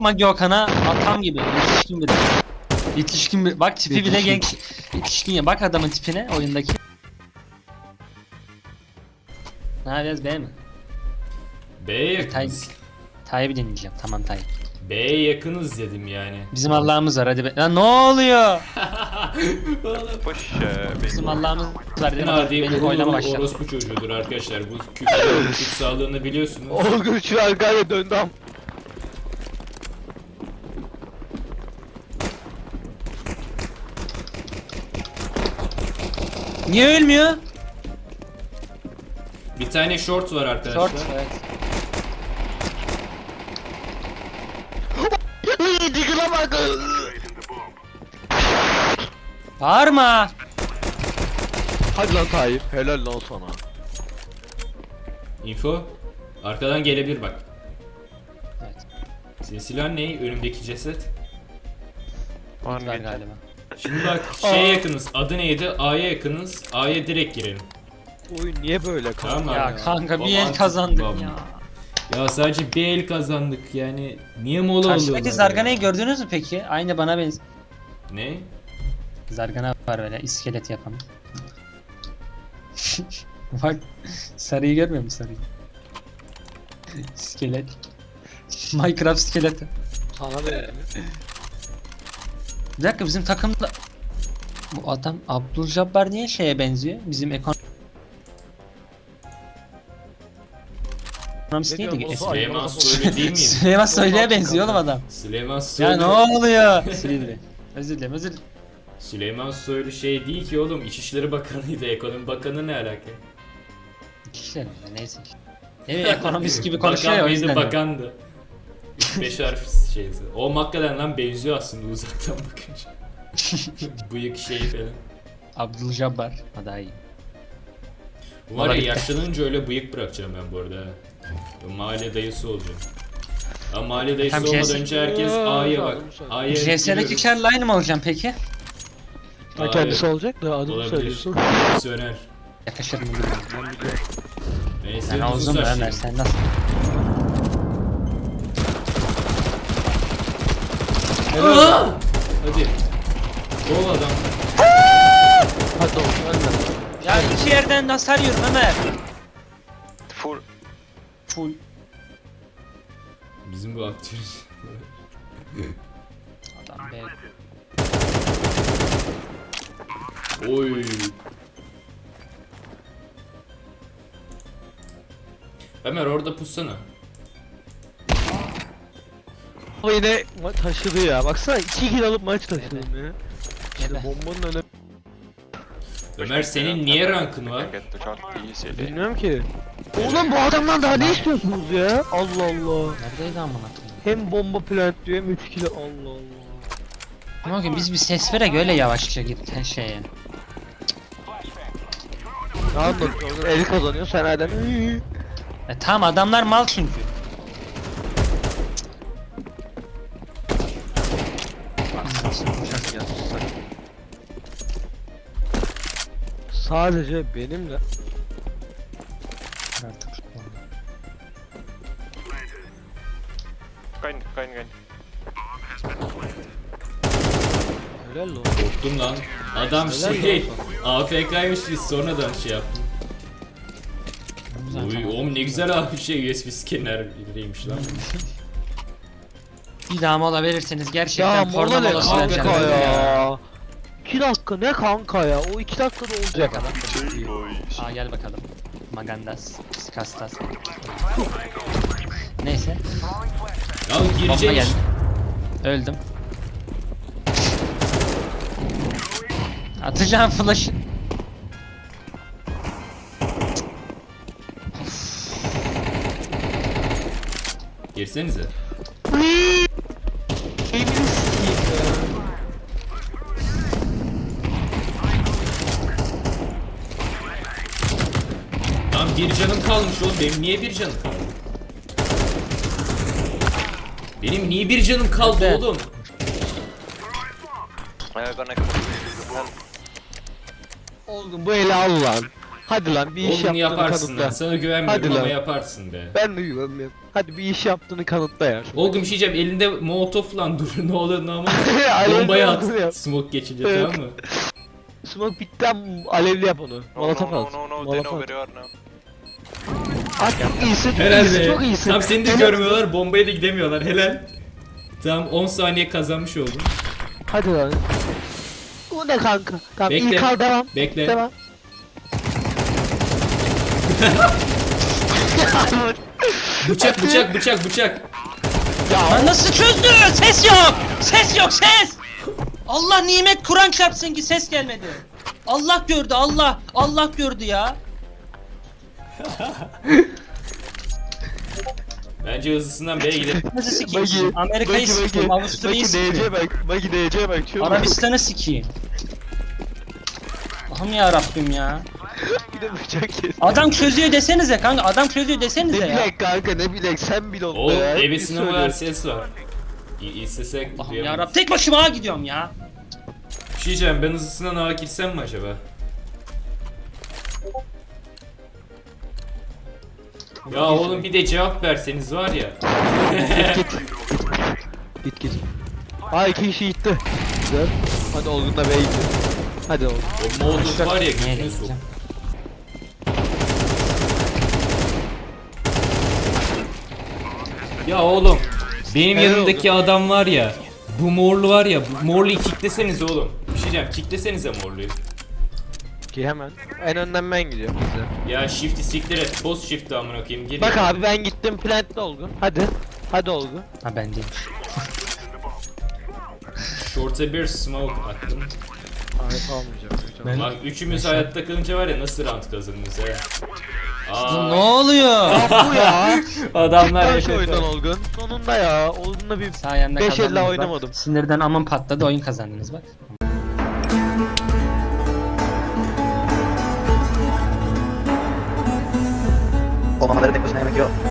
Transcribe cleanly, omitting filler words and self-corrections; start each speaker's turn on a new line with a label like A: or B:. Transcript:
A: Gökhan'a atam gibi. Yetişkin biri. Yetişkin bir. Bak tipi bile genç. Yetişkin ya. Bak adamın tipine oyundaki. Ne yapacağız B mi?
B: B'ye yakınız.
A: Tayyip'i dinleyeceğim. Tamam Tayyip.
B: B'ye yakınız dedim yani.
A: Bizim Allah'ımız var hadi be. Lan ne oluyor?
C: Push
A: Bizim Allah'ımız var dedim.
B: Adi
A: Benim oylama
B: Uğur
A: başladı.
B: orospu çocuğudur arkadaşlar. Bu küfür kutsallığını biliyorsunuz.
D: Olgun şu an galiba döndü am.
A: Niye ölmüyor?
B: Bir tane short var arkadaşlar.
A: Short. Evet.
D: Diggle bak.
A: Bağırma.
D: Hadi lan Tayyip. Helal lan sana.
B: Info. Arkadan gelebilir bak.
A: Evet.
B: Senin silahın ne? Önümdeki ceset.
A: Var galiba.
B: Şimdi bak şeye yakınız. Adı neydi? A'ya yakınız. A'ya direkt girelim.
D: Oyun niye böyle kanka?
B: Tamam
A: Ya
B: abi.
A: kanka bir
B: Baba
A: el
B: artık
A: kazandık
B: babam.
A: ya.
B: Ya sadece bir el kazandık yani. Niye mola alıyorlar?
A: Karşıdaki Zargana'yı gördünüz mü peki? Aynı bana benziyor.
B: Ne?
A: Zargana var böyle iskelet yapan. Bak sarıyı görmüyor musun sarıyı? İskelet. Minecraft iskeleti.
D: Sana da yani.
A: Bir dakika bizim takımda bu adam Abdülcabbar niye şeye benziyor? Bizim ekonomist
D: Ne
A: neydi?
D: diyorsun?
B: Süleyman Soylu değil miyim?
A: Süleyman Soylu'ya benziyor oğlum adam.
B: Süleyman
A: Ya
B: Soylu.
A: ne oluyor? Silivri. Özür dilerim özür dilerim.
B: Süleyman Soylu şey değil ki oğlum. İçişleri Bakanı'ydı. Ekonomi Bakanı ne alaka?
A: Kişiler mi? Neyse. Evet ekonomist gibi konuşuyor ya
B: Bakan
A: o
B: mıydı
A: yüzden.
B: bakandı. 5 harf şeysi. O hakikaten lan benziyor aslında uzaktan bakınca. Bıyık şeyi falan.
A: Abdülcabbar. Ha daha iyi.
B: Bu var ya
A: Olabilir.
B: yaşlanınca öyle bıyık bırakacağım ben bu arada. ha. Mahalle dayısı olacağım. Ama mahalle dayısı
A: Hem
B: olmadan
A: CS
B: önce herkes A'ya bak. A'ya
A: CS'deki
B: giriyoruz.
A: Carl aynı mı olacağım peki?
D: Ha, kendisi olacak da adını
B: Olabilir.
D: söylüyorsun.
B: Misyoner.
A: Yakışır mı bilmiyorum.
D: Ben biliyorum.
B: Neyse
A: Sen
B: uzun
A: uzun mu
B: saçlıyım.
A: Ömer sen nasıl?
B: Aa! Hadi. Bol adam.
D: Hadi olsun hadi.
A: Ya iki yerden nasıl arıyorum Ömer?
C: full.
A: Full.
B: Bizim bu aktör.
A: Adam be.
B: Oy. Ömer orada pussana.
D: Ama yine taşıdı ya. Baksana 2 kill alıp maç taşıdım ya. İşte
A: Evet.
D: bombanın önemi.
B: Ömer senin niye rankın var?
C: Can get the shot easily.
D: Bilmiyorum ki. Oğlum bu adamdan daha ne istiyorsunuz ya? Allah Allah.
A: Neredeydi amına koyayım?
D: Hem bomba plant diyor hem 3 kill. Allah Allah.
A: Ama ki biz bir ses verek öyle yavaşça git şeye.
D: Ne anlatıyorsun? Eli kazanıyor sen hala.
A: Tamam adamlar mal çünkü.
D: Sadece benimle.
C: Kain.
D: Helal lan.
B: Korktum lan. Adam
D: Helal
B: şey
D: lan
B: AFK'ymış biz sonradan şey yaptım. Uy oğlum ne güzel abi şey USB scanner'iymiş lan.
A: Bir daha mola verirseniz gerçekten
D: Ya
A: porno
D: mola ne
A: molası
D: kanka
A: vereceğim.
D: ya? 2 dakika ne kanka ya? O 2 dakikada olacak adam.
C: Boys.
A: Aa gel bakalım. Magandas, Skastas. Neyse.
B: Ya
A: Bomba
B: girecek.
A: geldi. Öldüm. Atacağım flash'ı.
B: Girsenize. Lan bir canım kalmış oğlum benim niye bir canım kaldı? Benim niye bir canım kaldı
A: Nerede?
B: oğlum?
C: I'm gonna.
D: Olgun bu eli al lan. Hadi lan bir iş
B: Oğlum
D: yaptığını
B: yaparsın lan.
D: kanıtla.
B: Sana güvenmiyorum
D: Hadi
B: ama
D: lan.
B: yaparsın be.
D: Ben de güvenmiyorum. Hadi bir iş yaptığını kanıtla ya.
B: Oğlum bir şey diyeceğim, elinde molotof lan dur ne olur ne olmaz.
D: Alevli
B: Bombayı
D: olduğunu yap.
B: at. Smoke geçince
D: Evet.
B: tamam mı?
D: Smoke bitti ama alevli yap onu.
C: No,
D: Molotof
C: no,
D: at.
C: no, no, they
D: Molotof
C: know
D: at.
C: where you are now.
D: At iyisin, çok
B: Helal
D: iyisin,
B: be.
D: çok iyisin.
B: Tam seni de
D: Helal.
B: görmüyorlar, bombaya da gidemiyorlar. Helal. Tamam 10 saniye kazanmış oldum.
D: Hadi lan. Bu ne kanka? Tamam
B: Bekle.
D: ilk al devam.
B: Bekle.
D: Devam.
B: Bıçak bıçak bıçak bıçak.
A: Lan nasıl çözdü? Ses yok. Ses yok ses. Allah nimet Kur'an çarpsın ki ses gelmedi. Allah gördü Allah. Allah gördü ya.
B: Bence hızlısından B'ye gidelim.
A: Nasıl sikeyim?
D: Bagi,
A: sizi? Amerika'yı sikeyim. Avustralya'yı sikeyim.
D: DC bak, Bagi DC bak. Şu
A: Arabistan'ı sikeyim. Allah'ım ya Rabbim ya.
D: Bir de bıçak kes.
A: Adam çözüyor desenize kanka. Adam çözüyor
D: Ne
A: desenize ya.
D: bilek kanka ne bilek sen bil onu
B: Oğlum
D: ya. Hep
B: ebesine
D: biz
B: kadar
D: söylüyoruz.
B: ses var. İstesek
A: Allah'ım ya
B: duyamayız.
A: Rabbim. Tek başıma ağa gidiyorum ya.
B: Bir şey diyeceğim, ben hızlısından ağa girsem mi acaba? Ya oğlum bir de cevap verseniz var ya.
D: Git. Aa 2 kişi gitti. Güzel. Hadi Olgun da B'ye gitti. Hadi Olgun.
B: O modus var ya
A: Nereye
B: gözüne sok.
A: gideceğim?
B: Ya oğlum benim
D: Helal
B: yanımdaki adam var ya. Bu morlu var ya, bu morluyu kicklesenize oğlum. Bir şey diyeceğim, kicklesenize morluyu.
D: Ki hemen. En önden ben gidiyorum bize.
B: Ya shift'i siktir et, boss shift'i amına koyayım geliyor.
D: Bak abi ben gittim plant'te Olgun. Hadi. Hadi Olgun.
A: Ha ben değilim.
B: Short'a bir smoke attım.
D: Hayır almayacağım.
B: Bak üçümüz hayatta kalınca var ya nasıl round kazanırız he.
A: Ne oluyor?
D: Bu ya.
B: Adamlar
D: Ben şu
B: yaşadı.
D: oyundan Olgun. Sonunda ya. Olgun'la bir
A: Sayende
D: 5
A: kazandınız
D: elle
A: bak.
D: oynamadım.
A: Sinirden amın patladı oyun kazandınız bak.
E: Olmamaları tek başına yemek yok.